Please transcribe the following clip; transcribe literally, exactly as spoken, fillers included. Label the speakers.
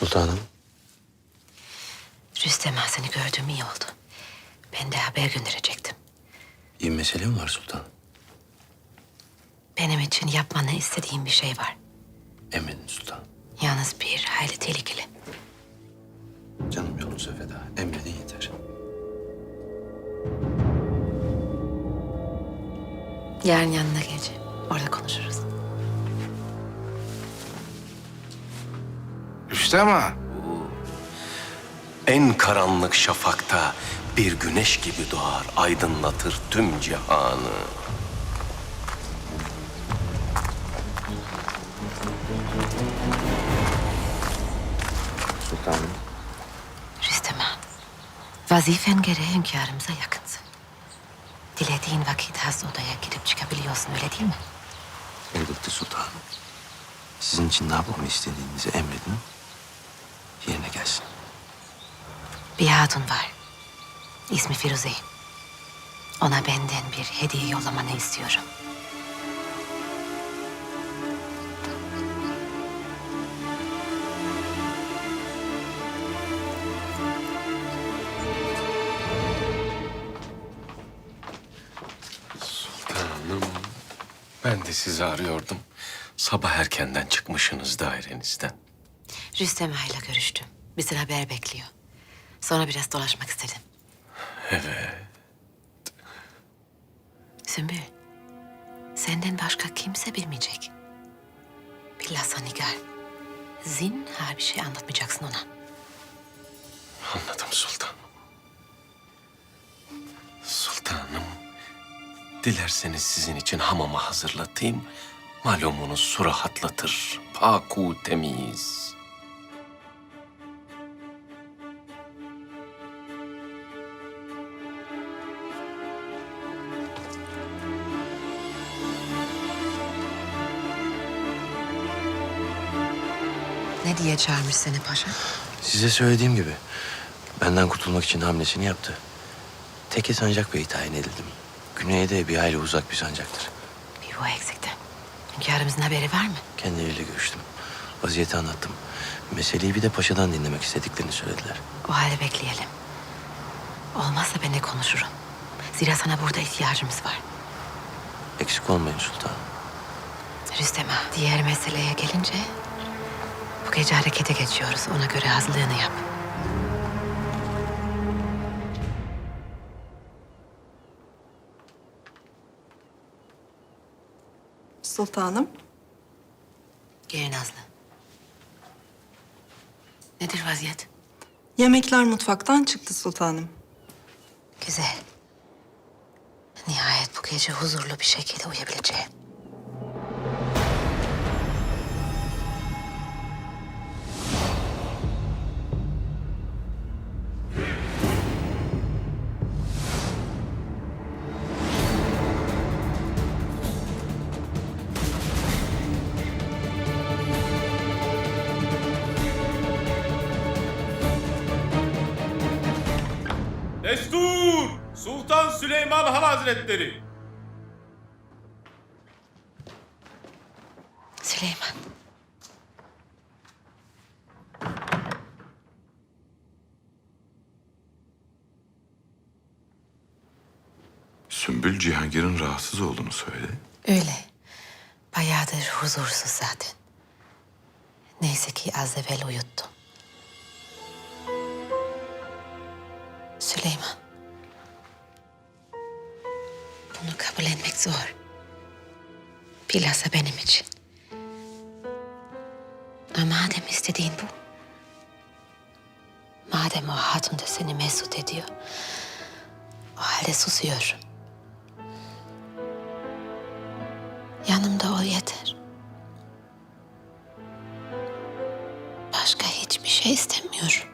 Speaker 1: Sultanım.
Speaker 2: Rüstem Ağa seni gördüğüm iyi oldu. Ben de haber gönderecektim.
Speaker 1: İyi mesele mi var sultanım?
Speaker 2: Benim için yapmanı istediğim bir şey var.
Speaker 1: Emredin sultanım.
Speaker 2: Yalnız bir hayli tehlikeli.
Speaker 1: Canım yolunuza feda. Emredin yeter.
Speaker 2: Yarın yanına geleceğim. Orada konuşuruz.
Speaker 3: Rüstem Ağa.
Speaker 4: En karanlık şafakta bir güneş gibi doğar, aydınlatır tüm cihanı.
Speaker 1: Sultanım.
Speaker 2: Rüstem Ağa, vazifen gereği hünkârımıza yakınsın. Dilediğin vakit has odaya girip çıkabiliyorsun, öyle değil mi?
Speaker 1: Elbette sultanım. Sizin için ne yapmamı istediğinizi emredin. Yerine gelsin.
Speaker 2: Bir hatun var. İsmi Firuze. Ona benden bir hediye yollamanı istiyorum.
Speaker 4: Sultanım, ben de sizi arıyordum. Sabah erkenden çıkmışsınız dairenizden.
Speaker 2: Rüstem Ağa ile görüştüm. Bizden haber bekliyor. Sonra biraz dolaşmak istedim.
Speaker 4: Evet.
Speaker 2: Sümbül, senden başka kimse bilmeyecek. Bilhassa Nigar. Zinhar bir şey anlatmayacaksın ona.
Speaker 4: Anladım sultanım. Sultanım, dilerseniz sizin için hamama hazırlatayım. Malumunuz su rahatlatır, paku temiz.
Speaker 2: Ne diye çağırmış seni paşa?
Speaker 1: Size söylediğim gibi benden kurtulmak için hamlesini yaptı. Teke sancak bey tayin edildim. Güneyde bir hayli uzak bir sancaktır.
Speaker 2: Bir bu eksikti. Hünkârımızın haberi var mı?
Speaker 1: Kendileriyle görüştüm. Vaziyeti anlattım. Meseleyi bir de paşadan dinlemek istediklerini söylediler.
Speaker 2: O halde bekleyelim. Olmazsa ben de konuşurum. Zira sana burada ihtiyacımız var.
Speaker 1: Eksik olmayın sultanım.
Speaker 2: Rüstem Ağa, diğer meseleye gelince... bu gece harekete geçiyoruz. Ona göre hazırlığını yap.
Speaker 5: Sultanım.
Speaker 2: Gel Nazlı. Nedir vaziyet?
Speaker 5: Yemekler mutfaktan çıktı sultanım.
Speaker 2: Güzel. Nihayet bu gece huzurlu bir şekilde uyuyabileceğim.
Speaker 6: Destur! Sultan Süleyman Han Hazretleri!
Speaker 2: Süleyman.
Speaker 3: Sümbül Cihangir'in rahatsız olduğunu söyledi.
Speaker 2: Öyle. Bayağıdır huzursuz zaten. Neyse ki az evvel uyuttum. Süleyman. Bunu kabul etmek zor. Bilhassa benim için. Ama madem istediğin bu. Madem o hatun da seni mesut ediyor. O halde susuyorum. Yanımda ol yeter. Başka hiçbir şey istemiyorum.